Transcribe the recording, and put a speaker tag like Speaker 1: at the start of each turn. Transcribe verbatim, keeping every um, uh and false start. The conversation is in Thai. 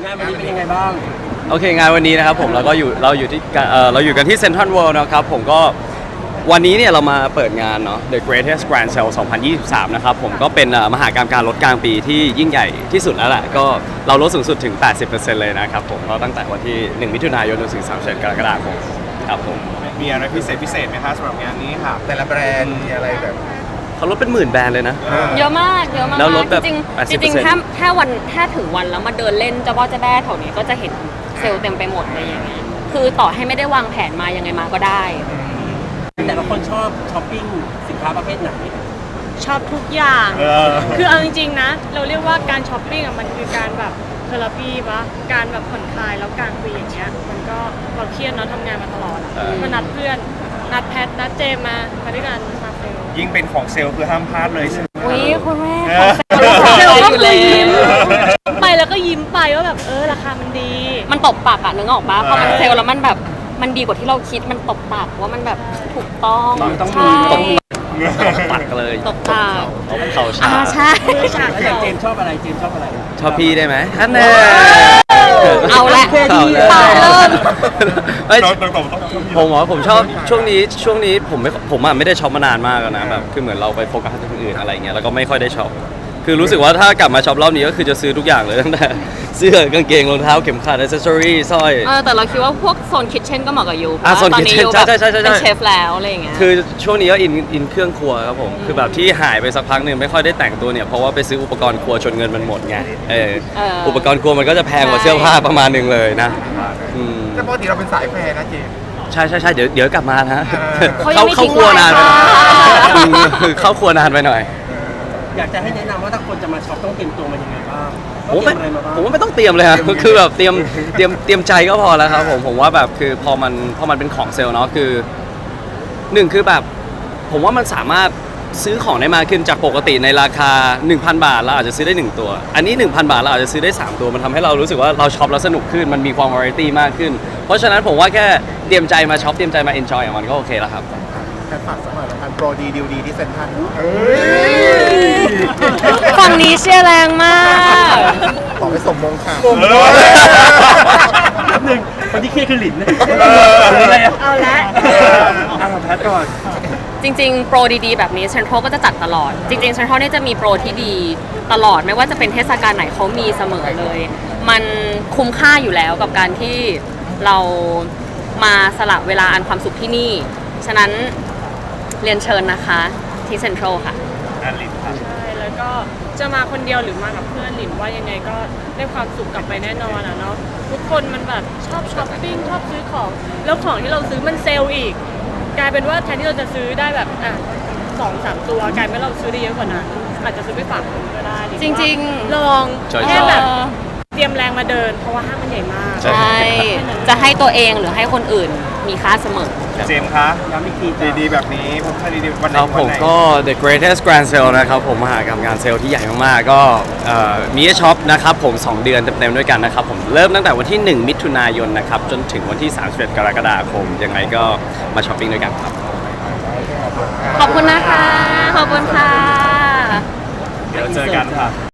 Speaker 1: งานวันนี้เป็นยังไงบ้าง
Speaker 2: โอเคงานวันนี้นะครับผมเราก็อยู่เราอยู่ที่เอ่อเราอยู่กันที่เซ็นทรัลเวิลด์นะครับผมก็วันนี้เนี่ยเรามาเปิดงานเนาะ The Greatest Grand Sale สองพันยี่สิบสามนะครับผมก็เป็นมหกรรมการลดกลางปีที่ยิ่งใหญ่ที่สุดแล้วแหละก็เราลดสูงสุดถึง แปดสิบเปอร์เซ็นต์ เลยนะครับผมก็ตั้งแต่วันที่หนึ่งมิถุนายนจนถึงสามสิบเอ็ดกรกฎาคมครับผม
Speaker 3: มีอะไรพิเศษพิเศษไหมคะสำหรับงานนี้ค่ะ
Speaker 4: แต่ละแบรนด์มีอะไรแบบ
Speaker 2: เขาลดเป็นหมื่นแบรนด์เลยนะ
Speaker 5: เยอะมากเยอะมาก
Speaker 2: แล้วลดแบบ
Speaker 5: จริงๆจริงๆถ้าถ้าวันถ้าถึงวันแล้วมาเดินเล่นเจ้าพ่อเจ้าแม่แถวนี้ก็จะเห็นเซลล์เต็มไปหมดเลยอย่างเงี้ยคือต่อให้ไม่ได้วางแผนมายังไงมาก็ได้
Speaker 1: แต่ละคนชอบช้อปปิ้งสินค้าประเภทไหน
Speaker 6: ชอบทุกอย่าง คือเอาจริงๆนะเราเรียกว่าการช้อปปิ้งอ่ะมันคือการแบบเทอราปีปะการแบบผ่อนคลายแล้วกลางปีอย่างเงี้ยมันก็เราเครียดเนาะทำงานมาตลอดก็นัดเพื่อนนัดแพทนัดเจมมามาด้วยกันมาเซล
Speaker 3: ยิ่งเป็นของเซลล์คือห้ามพลาดเลยใช่ไหม
Speaker 5: อุ้ยคุณแม่
Speaker 6: ของเซลล์ก็คือยิ้ม
Speaker 5: ม
Speaker 6: ไปแล้วก็ยิ้มไปว่าแบบเออราคามันดี
Speaker 5: มันตบปากอะนึกออกปะพอมันเซลล์แล้วมันแบบมันดีกว่าที่เราคิดมันตบปากว่ามันแบบถูกต้องใช่
Speaker 2: ปัดกันเลย
Speaker 5: ตบปาก
Speaker 2: ตบเข่าฉาก
Speaker 5: ใช่
Speaker 1: แล้วอย่างเจมชอบอะไรเจมชอบอะไร
Speaker 2: ชอบพี่ได้ไหมฮันเน่
Speaker 5: เอาละตายเริ่ม
Speaker 2: ผมว่าผมชอบช่วงนี้ช่วงนี้ผมไม่ผมอ่ะไม่ได้ช็อปมานานมากแล้วนะแบบคือเหมือนเราไปโฟกัสที่อื่นอะไรเงี้ยแล้วก็ไม่ค่อยได้ช็อปคือรู้สึกว่าถ้ากลับมาช็อปรอบนี้ก็คือจะซื้อทุกอย่างเลยตั้งแต่เสื้อกางเกงรองเท้าเข็มขัดอิสเซอรี่สร้อย
Speaker 5: เออแต่เราคิดว่าพวกโซนคิทเช่นก็เหมาะกับยูเพ
Speaker 2: ราะ
Speaker 5: ตอนนี้ยูแบบเป็นเชฟแล้วอะไรอย่างเงี้ย
Speaker 2: คือช่วงนี้ก็อินอินเครื่องครัวครับผมคือแบบที่หายไปสักพักหนึ่งไม่ค่อยได้แต่งตัวเนี่ยเพราะว่าไปซื้ออุปกรณ์ครัวจนเงินมันหมดไงเอออุปกรณ์ครัวมันก็จะแพงกว่าเสื้อผ้าประมาณนึงเลยนะ
Speaker 4: แต่ปกติเราเป็นสายแฟร์นะเจม
Speaker 2: ใช่ใช่ใช่เดี๋ยวเดี๋ยวกลับมานะ
Speaker 5: เขาเข้า
Speaker 2: ครัวนานไปเข้าครัวนานไปหน่อย
Speaker 1: อยากจะให้แนะนำว่าถ้าคนจะมาช็อปต้องเตรียมตัวมายังไงบ้าง
Speaker 2: ผมไม่ผมว่าไม่ต้องเตรียมเลยครับคือแบบเตรียมเตรียมเตรียมใจก็พอแล้วครับผมผมว่าแบบคือพอมันพอมันเป็นของเซลล์เนาะคือหนึ่งคือแบบผมว่ามันสามารถซื้อของได้มากขึ้นจากปกติในราคา หนึ่งพัน บาทเราอาจจะซื้อได้หนึ่งตัวอันนี้ หนึ่งพัน บาทเราอาจจะซื้อได้สามตัวมันทำให้เรารู้สึกว่าเราช็อปแล้วสนุกขึ้นมันมีความวาไรตี้มากขึ้นเพราะฉะนั้นผมว่าแค่เตรียมใจมาช็อปเตรียมใจมาเอนจอยมันก็โอเคแล้วครับ
Speaker 4: แค่ฝากสมัครการโปรดีดีลดีที่เซ็นทรัล
Speaker 5: ฝั่งนี้เชียร์แรงมาก
Speaker 4: ขอไปสมมงค่ะ
Speaker 1: หนึ่งคนที่เครียดคือหลิน
Speaker 6: เอาละ
Speaker 1: เอาแพทก่อน
Speaker 5: จริงๆโปรดีๆแบบนี้เซ็นทรัลก็จะจัดตลอดจริงๆเซ็นทรัลเนี่ยจะมีโปรที่ดีตลอดไม่ว่าจะเป็นเทศกาลไหนเขามีเสมอเลยมันคุ้มค่าอยู่แล้วกับการที่เรามาสละเวลาอันความสุขที่นี่ฉะนั้นเรียนเชิญนะคะที่เซ็นทรัลค่ะ
Speaker 3: อันลินค่ะ
Speaker 6: ใช่แล้วก็จะมาคนเดียวหรือมากับเพื่อนหลินว่ายังไงก็ได้ความสุขกลับไปแน่นอนอ่ะเนาะทุกคนมันแบบชอบช้อปปิ้งชอบซื้อของแล้วของที่เราซื้อมันเซลล์อีกกลายเป็นว่าแทนที่เราจะซื้อได้แบบอ่ะสองสามตัวกลายเป็นเราซื้อได้เยอะกว่านั้นอาจจะซื้อไปฝากคนก็ได้
Speaker 5: จริง
Speaker 6: ๆลองแค่แบบเตรียมแรงมาเดินเพราะว่าห้างมันใหญ่มาก
Speaker 5: ใช่จะให้ตัวเองหรือให้คนอื่นมีค่าเสมอ
Speaker 3: เจมส์คะย้ำอีกทีดีๆแบบนี้ผมใช่ดีๆวันไหน
Speaker 2: ครับผมก็ The Greatest Grand Sale นะครับผมมหากรรมงานเซลล์ที่ใหญ่มากๆก็มีให้ช็อปนะครับผมสองเดือนเต็มๆด้วยกันนะครับผมเริ่มตั้งแต่วันที่หนึ่งมิถุนายนนะครับจนถึงวันที่สามสิบเอ็ดกรกฎาคมยังไงก็มาช้อปปิ้งด้วยกันครับ
Speaker 5: ขอบคุณนะคะขอบคุณค่ะ
Speaker 3: เดี๋ยวเจอกันค่ะ